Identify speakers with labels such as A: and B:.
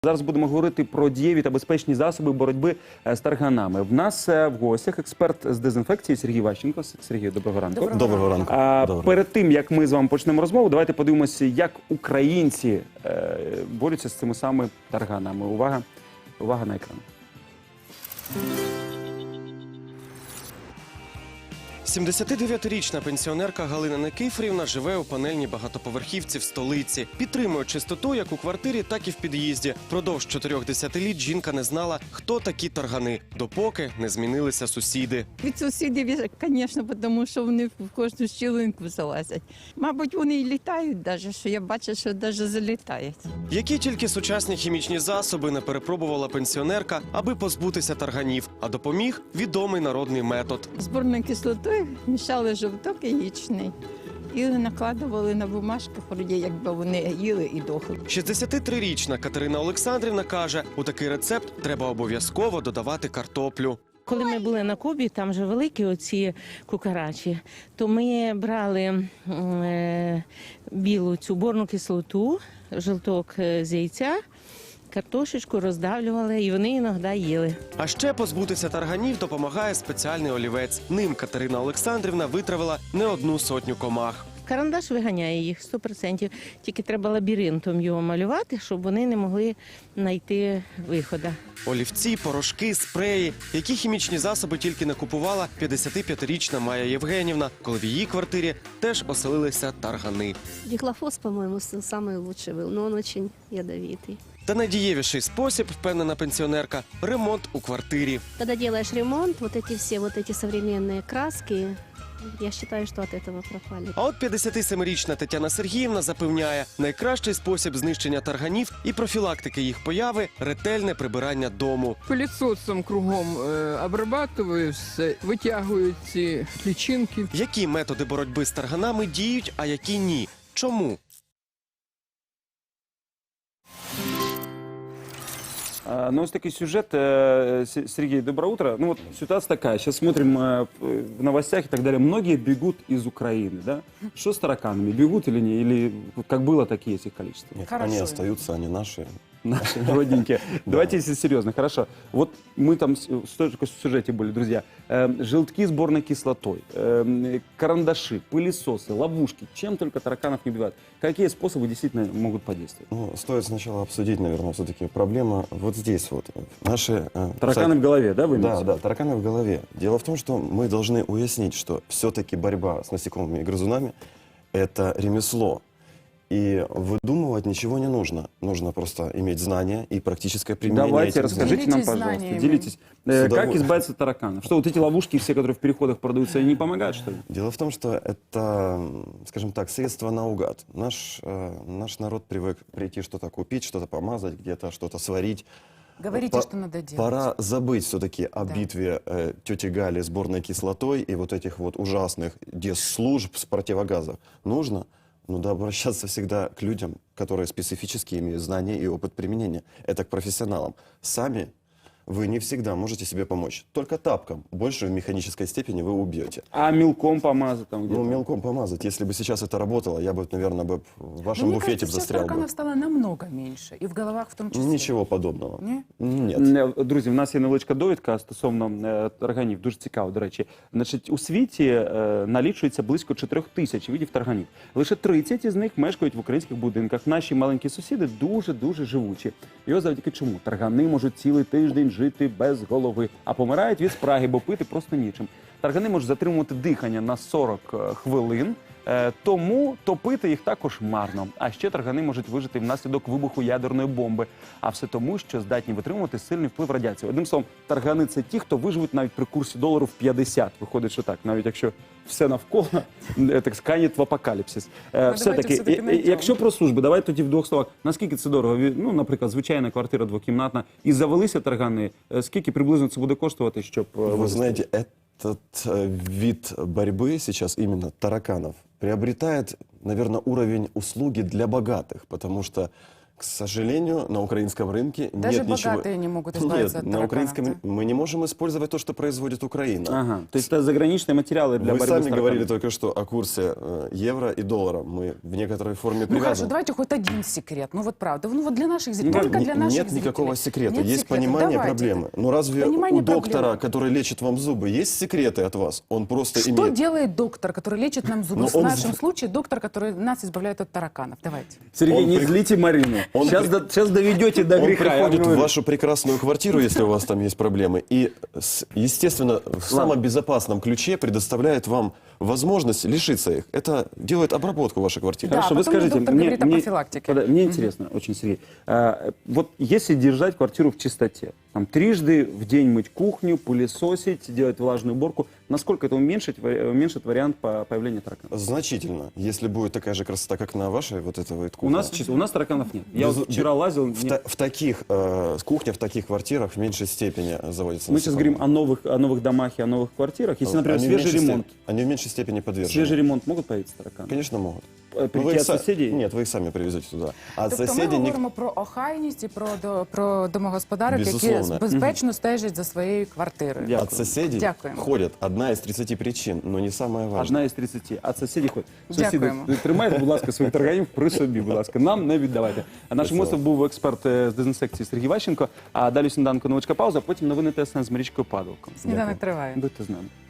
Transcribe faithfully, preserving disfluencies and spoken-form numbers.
A: Зараз будемо говорити про дієві та безпечні засоби боротьби з тарганами. В нас в гостях експерт з дезінфекції Сергій Ващенко. Сергій, доброго ранку.
B: Доброго,
C: доброго ранку.
A: А,
C: доброго.
A: Перед тим, як ми з вами почнемо розмову, давайте подивимося, як українці е, борються з цими самими тарганами. Увага, увага на екран.
B: сімдесятидев'ятирічна пенсіонерка Галина Никифорівна живе у панельній багатоповерхівці в столиці. Підтримує чистоту як у квартирі, так і в під'їзді. Продовж чотирьох десятиліть жінка не знала, хто такі таргани, допоки не змінилися сусіди.
D: Від сусідів, звісно, тому що вони в кожну щілинку залазять. Мабуть, вони і літають навіть, що я бачу, що навіть залітають.
B: Які тільки сучасні хімічні засоби не перепробувала пенсіонерка, аби позбутися тарганів, а допоміг відомий народний метод.
D: Зборною кислотою мішали жовток яєчний і накладували на бумажку, вроді, якби вони їли і дохли.
B: шістдесятитрирічна Катерина Олександрівна каже, у такий рецепт треба обов'язково додавати картоплю.
E: Коли ми були на Кубі, там же великі оці кукарачі, то ми брали е, білу цю борну кислоту, жовток з яйця, картошечку роздавлювали, і вони іноді їли.
B: А ще позбутися тарганів допомагає спеціальний олівець. Ним Катерина Олександрівна витравила не одну сотню комах.
E: Карандаш виганяє їх сто відсотків, тільки треба лабіринтом його малювати, щоб вони не могли знайти виходу.
B: Олівці, порошки, спреї. Які хімічні засоби тільки не купувала п'ятдесятип'ятирічна Майя Євгенівна, коли в її квартирі теж оселилися таргани.
F: Дихлофос, по-моему, самый лучший был, но он очень ядовитый.
B: Та найдієвіший спосіб, впевнена пенсіонерка, ремонт у квартирі.
F: Когда делаешь ремонт, вот эти все вот эти современные краски, я считаю, что от этого пропали.
B: А от п'ятдесятисемирічна Тетяна Сергіївна запевняє, найкращий спосіб знищення тарганів і профілактики їх появи – ретельне прибирання дому.
G: Пилісосом кругом е, обрабатую все, витягую ці лічинки.
B: Які методи боротьби з тарганами діють, а які ні? Чому?
A: Ну, ось такий сюжет. Сергей, доброе утро. Ну, вот ситуация такая. Сейчас смотрим в новостях и так далее. Многие бегут из Украины, да? Что с тараканами? Бегут или не? Или как было, так и есть их количество?
C: Нет, они остаются, они наши.
A: Наши родненькие. Давайте, если серьезно, хорошо. Вот мы там в столько сюжете были, друзья. Желтки с борной кислотой, карандаши, пылесосы, ловушки. Чем только тараканов не убивают. Какие способы действительно могут подействовать?
C: Ну, стоит сначала обсудить, наверное, все-таки проблема вот здесь вот. Наши... э,
A: Тараканы в голове, да, вы имеете?
C: Да, да, тараканы в голове. Дело в том, что мы должны уяснить, что все-таки борьба с насекомыми и грызунами – это ремесло. И выдумывать ничего не нужно. Нужно просто иметь знания и практическое применение.
A: Давайте,
C: этих
A: расскажите
C: знаний.
A: нам, пожалуйста, делитесь. Э,
C: С
A: Как
C: удовольствием.
A: избавиться от тараканов? Что, вот эти ловушки все, которые в переходах продаются, они не помогают, что ли?
C: Дело в том, что это, скажем так, средство наугад. Наш, э, наш народ привык прийти что-то купить, что-то помазать, где-то что-то сварить.
H: Говорите,
C: По-
H: что надо делать.
C: Пора забыть все-таки о
H: Да.
C: битве э, тети Гали с борной кислотой и вот этих вот ужасных десслужб с противогазов. Нужно, ну да, обращаться всегда к людям, которые специфически имеют знания и опыт применения. Это к профессионалам. Сами вы не всегда можете себе помочь. Только тапком. Больше в механической степени вы убьете.
A: А мелком помазать там где-то?
C: Ну, мелком помазать. Если бы сейчас это работало, я бы, наверное, бы в вашем
H: Но мне
C: буфете
H: кажется, сейчас
C: застрял бы.
H: тараканов стало намного меньше. И в головах в том числе.
C: Нічого подобного.
H: Ні?
C: Нет.
A: Е, Друзі, в нас є невеличка довідка стосовно е, тарганів. Дуже цікаво, до речі. Значить, у світі е, налічується близько чотирьох тисяч видів тарганів. Лише тридцять із них мешкають в українських будинках. Наші маленькі сусіди дуже-дуже живучі. І ось завдяки чому? Таргани можуть цілий тиждень жити без голови, а помирають від спраги, бо пити просто нічим. Таргани можуть затримувати дихання на сорок хвилин, е, тому топити їх також марно. А ще таргани можуть вижити внаслідок вибуху ядерної бомби. А все тому, що здатні витримувати сильний вплив радіації. Одним словом, таргани – це ті, хто виживуть навіть при курсі долару в п'ятдесят. Виходить, що так, навіть якщо все навколо, е, так сканять в апокаліпсис. Е, Все-таки,
H: все-таки
A: е,
H: найдемо.
A: якщо про служби, давайте тоді в двох словах. Наскільки це дорого? Ві- Ну, наприклад, звичайна квартира двокімнатна. І завелися таргани. Е, Скільки приблизно це буде коштувати, щоб... е,
C: Вы
A: вивезти?
C: знаете, этот э, вид борьбы сейчас, именно тараканов, приобретает, наверное, уровень услуги для богатых, потому что К сожалению, на украинском рынке
H: Даже
C: нет ничего...
H: богатые не могут избавиться
C: Нет,
H: от
C: на
H: тараканов,
C: украинском
H: да?
C: мы не можем использовать то, что производит Украина.
A: Ага. То есть это заграничные материалы для
C: Вы
A: борьбы
C: сами
A: с
C: говорили
A: тараканами.
C: только что о курсе э, евро и доллара. Мы в некоторой форме
H: Ну хорошо,
C: привязаны.
H: давайте хоть один секрет. Ну вот правда. Ну вот для наших
C: Ну,
H: зрителей. Только
C: не-
H: для наших
C: нет
H: зрителей.
C: никакого секрета.
H: Нет
C: Есть
H: секрета.
C: понимание
H: Давайте.
C: проблемы. Но разве
H: Понимание
C: у доктора,
H: проблемы.
C: который лечит вам зубы, есть секреты от вас? Он просто
H: Что
C: имеет...
H: делает доктор, который лечит нам зубы?
C: Ну,
H: В
C: он
H: нашем
C: з-
H: случае доктор, который нас избавляет от тараканов. Давайте.
A: Сергей,
C: Он
A: не
C: при-
A: злите Марину.
C: Он
A: Сейчас,
C: при-
A: до- сейчас доведете до
C: Он
A: греха. я
C: приходит в
A: говорю.
C: вашу прекрасную квартиру, если у вас там есть проблемы, и, с- естественно, в самом безопасном ключе предоставляет вам возможность лишиться их. Это делает обработку вашей квартиры.
H: Да,
A: Хорошо, вы
H: потом
A: скажите,
H: доктор говорит о профилактике.
A: пода- мне интересно очень, Сергей, а, вот если держать квартиру в чистоте, там, трижды в день мыть кухню, пылесосить, делать влажную уборку, насколько это уменьшит, ва- уменьшит вариант по появления тараканов?
C: Значительно. Если будет такая же красота, как на вашей вот этой вот
A: У
C: кухне.
A: нас, чисто- у нас тараканов нет. Я
C: Без-
A: вот вчера лазил,
C: В,
A: нет.
C: та- в таких э, кухнях, в таких квартирах в меньшей степени заводятся
A: Мы сейчас
C: насекомые.
A: говорим о новых, о новых домах и о новых квартирах. Если, например,
C: Они в
A: свежий
C: меньшей
A: ремонт,
C: степ- Они в меньшей степени подвержены.
A: свежий ремонт могут появиться тараканы?
C: Конечно, могут.
A: Э,
C: Но
A: Прийти
C: вы их
A: от
C: са-
A: соседей?
C: Нет, вы их сами привезете туда. А от
H: Тобто ми
C: соседей ник-
H: говоримо про охайність і про, до- про домогосподарок, які
C: Безусловно.
H: безпечно стежать за своєю квартирою.
A: Дякую.
C: от соседей
H: Дякуємо.
C: ходят одна из тридцати причин, но не самое важное.
A: Одна із тридцяти. А сусіді ходять. Сусіди,
H: Дякуємо.
A: тримайте, будь ласка, своїх тарганів при собі, будь ласка. Нам не віддавайте. А нашим
C: Спасибо.
A: гостем був експерт е, з дезінсекції Сергій Ващенко. А далі сніданку невеличка пауза, потім новини ТСН з Марічкою Падалком.
H: Сніданок триває.
A: Будьте з нами.